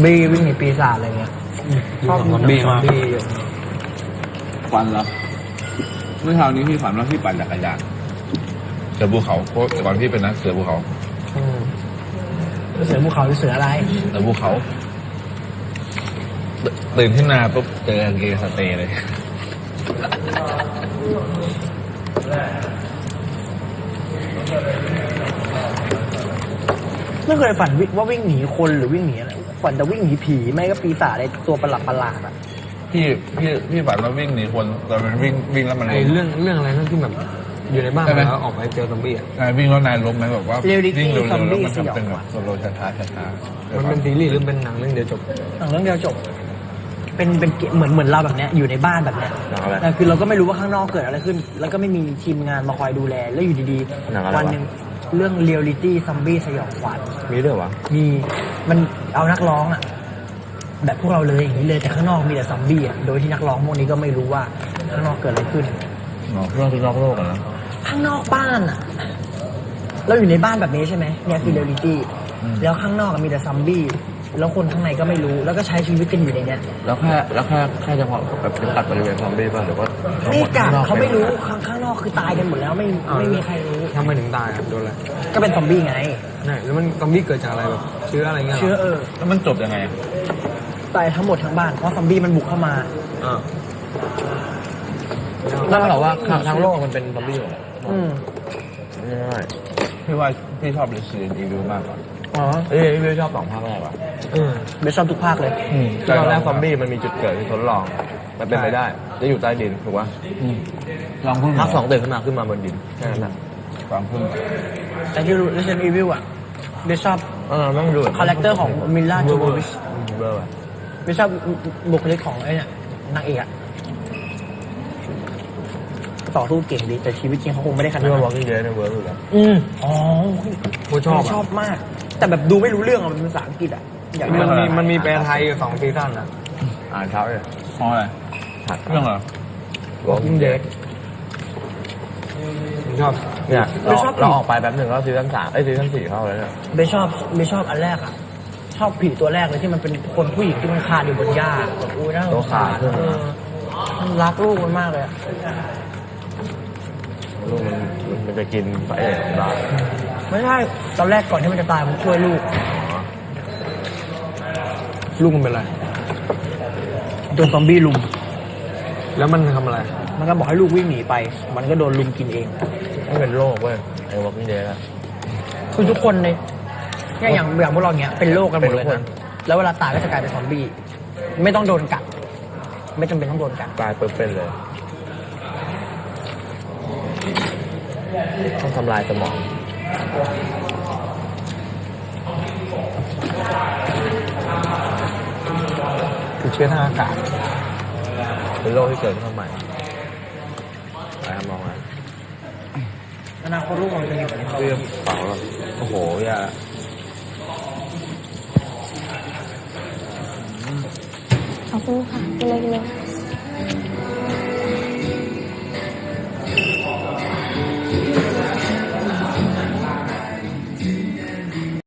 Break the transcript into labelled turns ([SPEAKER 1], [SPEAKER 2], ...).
[SPEAKER 1] บี้วิ่งหนีปีศาจอะไรเงี้ยชอบซอมบี้มาก
[SPEAKER 2] ฝันเหรอเมื่อเช้านี้พี่ฝันว่าพี่ปั่นจักรยาน
[SPEAKER 3] เสือภูเขาเพราะก่อนพี่เป็นนักเสือภูเขา
[SPEAKER 1] เสือภูเขาหรือเสืออะไร
[SPEAKER 3] เสือภูเขาตื่นขึ้นมาปุ๊บเจอกางเกงสเตย์เลย
[SPEAKER 1] ไม่เคยฝันว่าวิ่งหนีคนหรือวิ่งหนีอะไรฝันจะวิ่งหนีผีไม่ก็ปีศาจอะไรตัวประหลาดอ่ะ
[SPEAKER 3] พี่ฝันว่าวิ่งหนีคนแต่มันวิ่งแล้วมัน
[SPEAKER 4] ไอ้เรื่องอะไรนั่นที่แบบอยู่ในบ้านแล้วออกไปเจอซอมบี้อ่ะ
[SPEAKER 3] วิ่งแล้วนายล้มไหมแบบว่า
[SPEAKER 1] เรียลลิ
[SPEAKER 3] วิ่ง
[SPEAKER 1] ตี้
[SPEAKER 3] เร็ว
[SPEAKER 1] ซอม
[SPEAKER 3] ๆแล้ว
[SPEAKER 1] บี้
[SPEAKER 3] มัน
[SPEAKER 1] สยอง
[SPEAKER 3] ทำเป็น
[SPEAKER 1] ข
[SPEAKER 3] แบ
[SPEAKER 1] วั
[SPEAKER 3] บ
[SPEAKER 1] ญ
[SPEAKER 3] สโลว์ช้าๆ
[SPEAKER 4] มันเป็นซีรีส์หรือเป็นหนังเรื่องเดียวจบ
[SPEAKER 1] หนังเรื่องเดียวจบเป็นเหมือนเราแบบเนี้ยอยู่ในบ้านแบบเนี้ยแต่คือเราก็ไม่รู้ว่าข้างนอกเกิดอะไรขึ้น แล้วก็ไม่มีทีมงานมาคอยดูแลแล้วอยู่ดีๆวันหนึ่งเรื่องเรียลลิตี้ซอมบี้สยองขวัญ
[SPEAKER 4] มีด้วยวะ
[SPEAKER 1] มีมันเอานักร้องอ่ะแบบพวกเราเลยอย่างนี้เลยแต่ข้างนอกมีแต่ซอมบี้อ่ะโดยที่นักร้องพวกนี้ก็ไม่รู้ว่าข้างนอกเกิดอะไรขึ้น
[SPEAKER 3] เรื่องคือนอกโลกอะนะ
[SPEAKER 1] ข้างนอกบ้านอ่ะเราอยู่ในบ้านแบบนี้ใช่ไหมเนี่ยคือเรียลลิตี้แล้วข้างนอกมีแต่ซอมบี้แล้วคนข้างในก็ไม่รู้แล้วก็ใช้ชีวิตกันอยู่ในเนี้ย
[SPEAKER 4] แล้วแค่เฉพาะแบบจำกัดบริเวณซอมบี้ป่ะหรือว่า
[SPEAKER 1] ไม่กัดเขาไม่รู้ข้างนอกคือตายกันหมดแล้วไม่มีใครรู้
[SPEAKER 4] ทำไมถึงตายอ่ะโดนอะไร
[SPEAKER 1] ก็เป็นซอมบี้ไง
[SPEAKER 4] นี่แล้วมันซอมบี้เกิดจากอะไรแบบเชื้ออะไรเงี้ย
[SPEAKER 1] เชื้อ
[SPEAKER 3] แล้วมันจบยังไง
[SPEAKER 1] ตายทั้งหมดทั้งบ้านเพราะซอมบี้มันบุกเข้ามา
[SPEAKER 4] นั่นหรอว่าทั้งโลกมันเป็นซอมบี้หมด
[SPEAKER 1] อืม
[SPEAKER 4] ง่าย
[SPEAKER 3] พี่ว่าพี่ชอบ Resident Evil มากกว่า
[SPEAKER 1] อ๋อ
[SPEAKER 4] พี่ชอบ2 ภาคแรกว่ะ
[SPEAKER 1] เบสชอบทุกภาคเลย
[SPEAKER 4] ตอนแรกซอมบี้มันมีจุดเกิดที่ทดลองมันเป็นไปได้จะอยู่ใต้ดินถูกป่ะ
[SPEAKER 3] ลองพึ่ง
[SPEAKER 4] ภาค2ตื่นขึ้นมาบนดินแค่นั้นแหละ
[SPEAKER 3] ลองพึ่ง
[SPEAKER 1] แต่ที่รู้ Resident Evil อ่ะเบสชอบ
[SPEAKER 4] ต้องดู
[SPEAKER 1] คาแรคเตอร์ของมิลล่าโจโววิช
[SPEAKER 4] เบอร์ว่ะ
[SPEAKER 1] เบสชอบบุคลิกของไอ้เนี่ยนางเอกอะต่อสู้เก่งดีแต่ชีวิตจริงเขาคงไม่ได้ขนาด
[SPEAKER 4] ที่
[SPEAKER 1] นั้
[SPEAKER 4] ว่าน Walking Dead ในเวิร์กอยู่แล้ว
[SPEAKER 1] อ๋อ
[SPEAKER 4] กูชอบ
[SPEAKER 1] ชอบมาก แต่แบบดูไม่รู้เรื่องอะมันเป็นภาษาอังกฤษอะอยากดู
[SPEAKER 4] มันมีแปลไทยอยู่2 ซีซั่นนะอ่านเช้าเลย
[SPEAKER 3] เพราะอะไรเรื่องอะไร
[SPEAKER 4] Walking Dead ชอบเนี่ยเราออกไปแป๊บหนึ่งก็ซีซั่น3ซีซั่น4เข้าแล้วเนี่ย
[SPEAKER 1] เบสชอบอันแรกอะชอบผีตัวแรกเลยที่มันเป็นคนผู้หญิงที่มันคลานอยู่บนหญ้าแบบอุ้ยน่าสงสารมันรักลูกมันมากเลยอะ
[SPEAKER 4] ลูกมันจะกินไปเองได้
[SPEAKER 1] ไม่ใช่ตอนแรกก่อนที่มันจะตายมันช่วยลูก
[SPEAKER 4] ลูกมันเป็นอะไร
[SPEAKER 1] โดนซอมบี้ลุม
[SPEAKER 4] แล้วมันทำอะไร
[SPEAKER 1] มันก็บอกให้ลูกวิ่งหนีไป มันก็โดนลุมกินเอง
[SPEAKER 4] มันเป็นโรคเว้ยไอ้ Walking Dead อะ
[SPEAKER 1] คือทุกคนในเนี่ยอย่างพวกเราเนี้ยเป็นโรคกันหมดเลย
[SPEAKER 4] เป็นทุกค
[SPEAKER 1] นะ
[SPEAKER 4] น
[SPEAKER 1] แล้วเวลาตายก็จะกลายเป็นซอมบี้ ไม่ต้องโดนกัด ไม่จำเป็นต้องโดนกัด
[SPEAKER 4] ตายเปิดเป็นเลยต้องทำลายสมองคือเชื้อทางอากาศเป็นโรคที่เกิดขึ้นมาใหม่ไปทำมองนะ
[SPEAKER 1] อนาคตลูกมันจะมีแบบนี้
[SPEAKER 4] เรื่องเปล่าแล้วโอ้โหอย่า
[SPEAKER 5] ขอบคุณค่ะกินเลย